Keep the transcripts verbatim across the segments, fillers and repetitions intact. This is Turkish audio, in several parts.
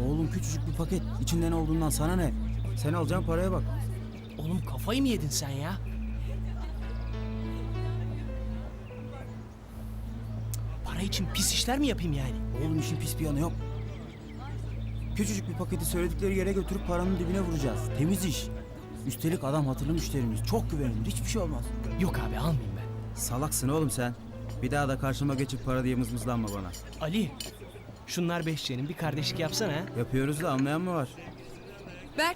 Oğlum küçücük bir paket. İçinde ne olduğundan sana ne? Sen alacağın paraya bak. Oğlum kafayı mı yedin sen ya? Para için pis işler mi yapayım yani? Oğlum işin pis bir yanı yok. Küçücük bir paketi söyledikleri yere götürüp paranın dibine vuracağız. Temiz iş. Üstelik adam hatırlı müşterimiz. Çok güvenilir. Hiçbir şey olmaz. Yok abi almayayım ben. Salaksın oğlum sen. Bir daha da karşıma geçip para diye mızmızlanma bana. Ali, şunlar beşçenin bir kardeşlik yapsana ha. Yapıyoruz da anlayan mı var? Berk,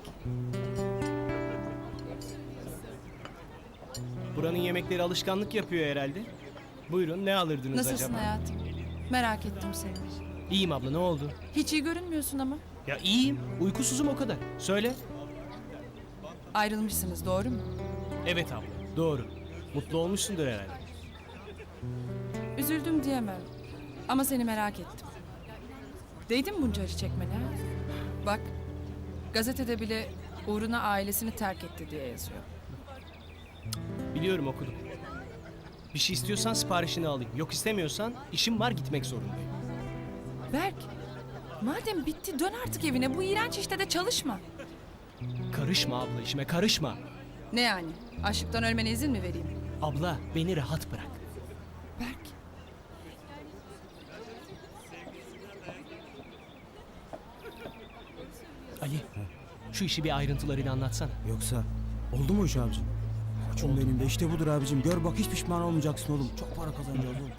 Buranın yemekleri alışkanlık yapıyor herhalde. Buyurun, ne alırdınız nasılsın acaba? hayatım? Merak ettim seni. İyiyim abla, ne oldu? Hiç iyi görünmüyorsun ama. Ya iyiyim, uykusuzum o kadar. Söyle. Ayrılmışsınız, doğru mu? Evet abla, doğru. Mutlu olmuşsundur herhalde. Üzüldüm diyemem. Ama seni merak ettim. Değdi mi bunca acı çekmene? ha? Bak, gazetede bile uğruna ailesini terk etti diye yazıyor. Biliyorum, okudum. Bir şey istiyorsan siparişini alayım. Yok istemiyorsan işim var, gitmek zorundayım. Berk, madem bitti dön artık evine. Bu iğrenç işte de çalışma. Karışma abla, işime karışma. Ne yani? Açlıktan ölmene izin mi vereyim? Abla, beni rahat bırak. Berk, Ali, şu işi bir ayrıntılarıyla anlatsana. Yoksa oldu mu iş abicim? Koçum benim de işte budur abicim. Gör bak hiç pişman olmayacaksın oğlum. Çok para kazanacağız oğlum.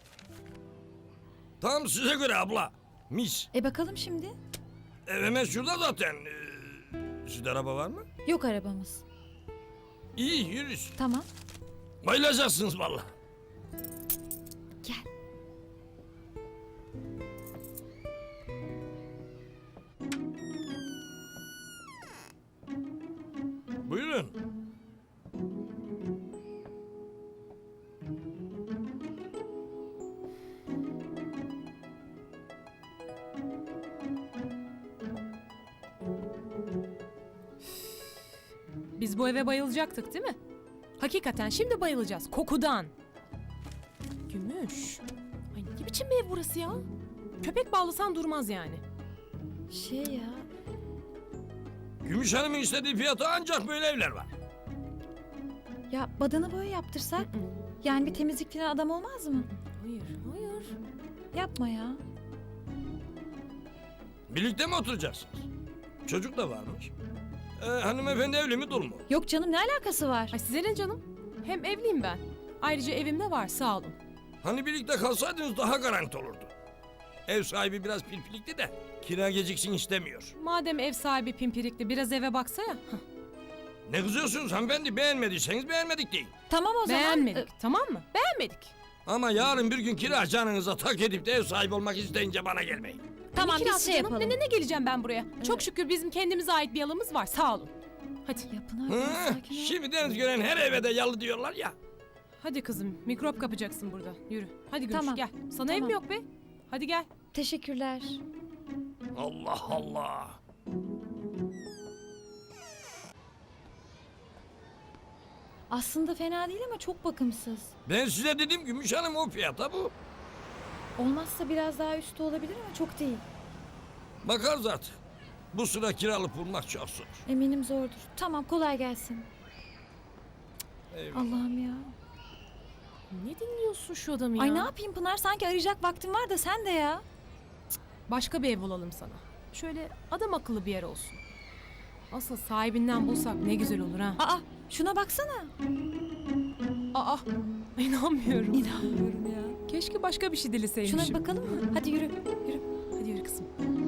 Tam size göre abla. Mis. E bakalım şimdi. Ev hemen şurada zaten. Ee, sizde araba var mı? Yok arabamız. İyi yürüyüz. Tamam. Bayılacaksınız vallahi. Gel. Buyurun. Biz bu eve bayılacaktık değil mi? Hakikaten şimdi bayılacağız. Kokudan. Gümüş. Ay ne biçim bir ev burası ya? Köpek bağlasan durmaz yani. Şey ya. Gümüş Hanım'ın istediği fiyata ancak böyle evler var. Ya badana boya yaptırsak. Yani bir temizlik falan adam olmaz mı? Hayır, hayır. Yapma ya. Birlikte mi oturacaksınız? Çocuk da varmış. Ee, hanımefendi evli mi dul mu? Yok canım ne alakası var? Ay size ne canım? Hem evliyim ben. Ayrıca evimde var sağ olun. Hani birlikte kalsaydınız daha garanti olurdu. Ev sahibi biraz pilpilikti de kira geciksin istemiyor. Madem ev sahibi pimpirikli biraz eve baksa ya. Hah, Ne kızıyorsunuz hanımefendi? Beğenmediyseniz beğenmedik deyin. Tamam o zaman. beğenmedik Ee, tamam mı? Beğenmedik. Ama yarın bir gün kira canınıza tak edip de ev sahibi olmak isteyince bana gelmeyin. tamam Ne biz kirası şey canım? yapalım. Ne, ne, ne geleceğim ben buraya? Çok şükür bizim kendimize ait bir alanımız var sağ olun. Hadi. Ya Pınar Hı, biraz sakin ol. şimdi deniz gören her eve de yalı diyorlar ya. Hadi kızım mikrop kapacaksın burada. Yürü. Hadi Gümüş Tamam, gel. Sana ev tamam. mi yok be? Hadi gel. Teşekkürler. Allah Allah. Aslında fena değil ama çok bakımsız. Ben size dedim Gümüş Hanım o fiyata bu. Olmazsa biraz daha üstü olabilir ama çok değil. Bakar zaten. Bu sıra kiralık bulmak çok zor. Eminim zordur. Tamam kolay gelsin. Eyvallah. Allah'ım ya. Ne dinliyorsun şu adamı ya? Ay ne yapayım Pınar sanki arayacak vaktim var da sen de ya. Başka bir ev bulalım sana. Şöyle adam akıllı bir yer olsun. Asıl sahibinden bulsak ne güzel olur ha. Aa şuna baksana. Aa, inanmıyorum. İnanmıyorum ya. Keşke başka bir şey dileseymişim. Şuna bir bakalım mı? Hadi yürü. Yürü. Hadi yürü kızım.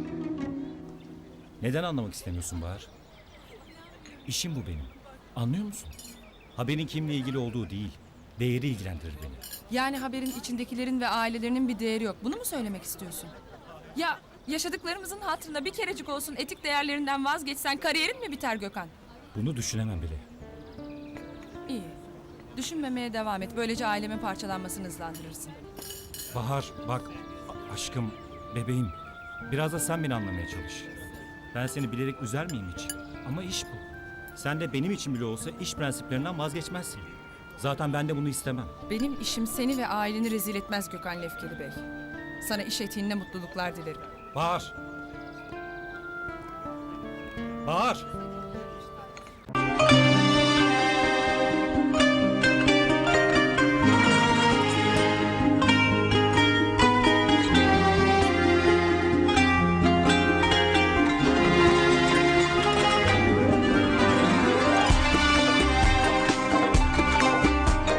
Neden anlamak istemiyorsun Bahar? İşim bu benim. Anlıyor musun? Haberin kimle ilgili olduğu değil, değeri ilgilendirir beni. Yani haberin içindekilerin ve ailelerinin bir değeri yok. Bunu mu söylemek istiyorsun? Ya yaşadıklarımızın hatırına bir kerecik olsun etik değerlerinden vazgeçsen kariyerin mi biter Gökhan? Bunu düşünemem bile. İyi. Düşünmemeye devam et. Böylece ailemin parçalanmasını hızlandırırsın. Bahar, bak, a- aşkım, bebeğim. Biraz da sen beni anlamaya çalış. Ben seni bilerek üzer miyim hiç? Ama iş bu. Sen de benim için bile olsa iş prensiplerinden vazgeçmezsin. Zaten ben de bunu istemem. Benim işim seni ve aileni rezil etmez Gökhan Lefkeli Bey. Sana iş etiğinde mutluluklar dilerim. Bahar! Bahar!